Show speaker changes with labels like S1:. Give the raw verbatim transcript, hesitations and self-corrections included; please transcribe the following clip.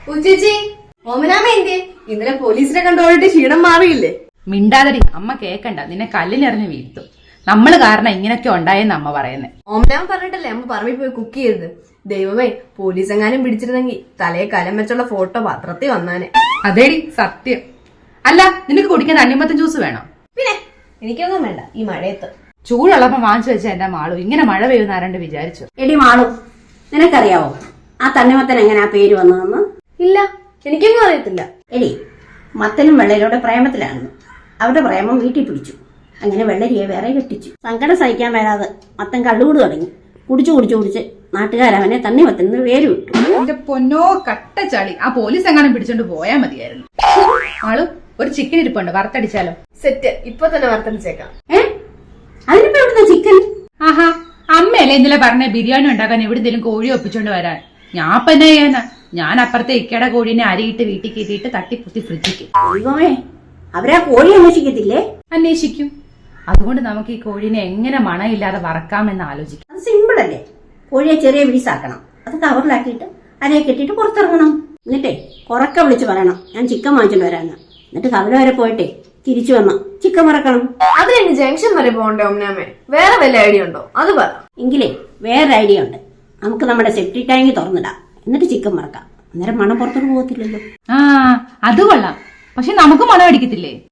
S1: ഉച്ചേച്ചി ഓമനാമ എന്തേ? ഇന്നലെ പോലീസിനെ കണ്ടോളിട്ട് ക്ഷീണം മാറിയില്ലേ?
S2: മിണ്ടാതടി, അമ്മ കേക്കണ്ട, നിന്നെ കല്ലിനെറിഞ്ഞ് വീഴ്ത്തും. നമ്മള് കാരണം ഇങ്ങനൊക്കെ ഉണ്ടായെന്ന് അമ്മ പറയുന്നേ.
S1: ഓമനാമ പറഞ്ഞിട്ടല്ലേ അമ്മ പറമ്പിൽ പോയി കുക്ക് ചെയ്തത്. ദൈവമേ, പോലീസ് എങ്ങാനും പിടിച്ചിരുന്നെങ്കിൽ തലയെ കലം വെച്ചുള്ള ഫോട്ടോ പത്രത്തിൽ വന്നാനെ.
S2: അതേടി സത്യം. അല്ല, നിനക്ക് കുടിക്കാൻ തണ്ണിമത്തൻ ജ്യൂസ് വേണോ?
S1: പിന്നെ എനിക്കൊന്നും വേണ്ട ഈ മഴയത്ത്.
S2: ചൂടുള്ളപ്പോ വാങ്ങിച്ചു വെച്ച എന്റെ മാളു ഇങ്ങനെ മഴ പെയ്യുന്ന ആരാണ്ട് വിചാരിച്ചു.
S3: എടി മാളു, നിനക്കറിയാവോ ആ തണ്ണിമത്തൻ എങ്ങനെ ആ പേര് വന്നതെന്ന്?
S1: ഇല്ല, എനിക്കൊന്നും അറിയത്തില്ല.
S3: എടി, മത്തനും വെള്ളരിയുടെ പ്രേമത്തിലായിരുന്നു. അവരുടെ പ്രേമം വീട്ടിൽ പിടിച്ചു. അങ്ങനെ വെള്ളരിയെ വേറെ കെട്ടിച്ചു. സങ്കടം സഹിക്കാൻ വരാതെ മത്തൻ കള്ളുകൂട് തുടങ്ങി. കുടിച്ചു കുടിച്ചു കുടിച്ച് നാട്ടുകാരവനെ തണ്ണിമത്തന് പേര് വിട്ടു.
S2: എന്റെ പൊന്നോ കട്ട ചളി, ആ പോലീസ് എങ്ങാനും പിടിച്ചോണ്ട് പോയാ മതിയായിരുന്നു. മാളു, ഒരു ചിക്കൻ ഇരിപ്പുണ്ട്, വറുത്തടിച്ചാലോ?
S1: സെറ്റ്, ഇപ്പൊ തന്നെ വറുത്തടിച്ചേക്കാം.
S3: ഏ അതിനിപ്പോ എവിടുന്ന ചിക്കൻ?
S2: ആഹാ, അമ്മയല്ലേ ഇന്നലെ പറഞ്ഞ ബിരിയാണി ഉണ്ടാക്കാൻ എവിടെന്തെങ്കിലും കോഴി ഒപ്പിച്ചോണ്ട് വരാൻ. ഞാൻ ഇപ്പൊ എന്നാ ചെയ്യാനാ? ഞാൻ അപ്പുറത്തെ ഇക്കയുടെ കോഴീനെ അരിയിട്ട് വീട്ടിൽ കയറ്റിയിട്ട് തട്ടിപ്പുത്തി ഫ്രിഡ്ജിക്ക്.
S3: ദൈവമേ, അവരാ കോഴി അന്വേഷിക്കത്തില്ലേ?
S2: അന്വേഷിക്കും. അതുകൊണ്ട് നമുക്ക് ഈ കോഴീനെ എങ്ങനെ മണയില്ലാതെ വറക്കാമെന്ന് ആലോചിക്കാം.
S3: അത് സിമ്പിൾ അല്ലേ? കോഴിയെ ചെറിയ പീസാക്കണം. അത് കവറിലാക്കിയിട്ട് അരയെ കെട്ടിയിട്ട് പുറത്തിറങ്ങണം. എന്നിട്ടേ കുറക്ക വിളിച്ച് പറയണം ഞാൻ ചിക്കൻ വാങ്ങിച്ചോണ്ട് വരാന്ന്. എന്നിട്ട് കവല വരെ പോയിട്ടേ തിരിച്ചു വന്ന ചിക്കൻ വറക്കണം.
S1: അതിന് ജംഗ്ഷൻ വരെ പോകണ്ടേ ഓമനാമേ? വേറെ വല്ല ഐഡിയ ഉണ്ടോ? അത് പറ.
S3: എങ്കിലേ വേറൊരു ഐഡിയ ഉണ്ട്. നമുക്ക് നമ്മുടെ സെപ്റ്റി ടാങ്ക് തുറന്നിടാം, എന്നിട്ട് ചിക്കൻ വറക്കാം. അന്നേരം മണം പുറത്തോട്ട് പോകത്തില്ലല്ലോ.
S2: ആ, അത് കൊള്ളാം. പക്ഷെ നമുക്ക് മണം അടിക്കത്തില്ലേ?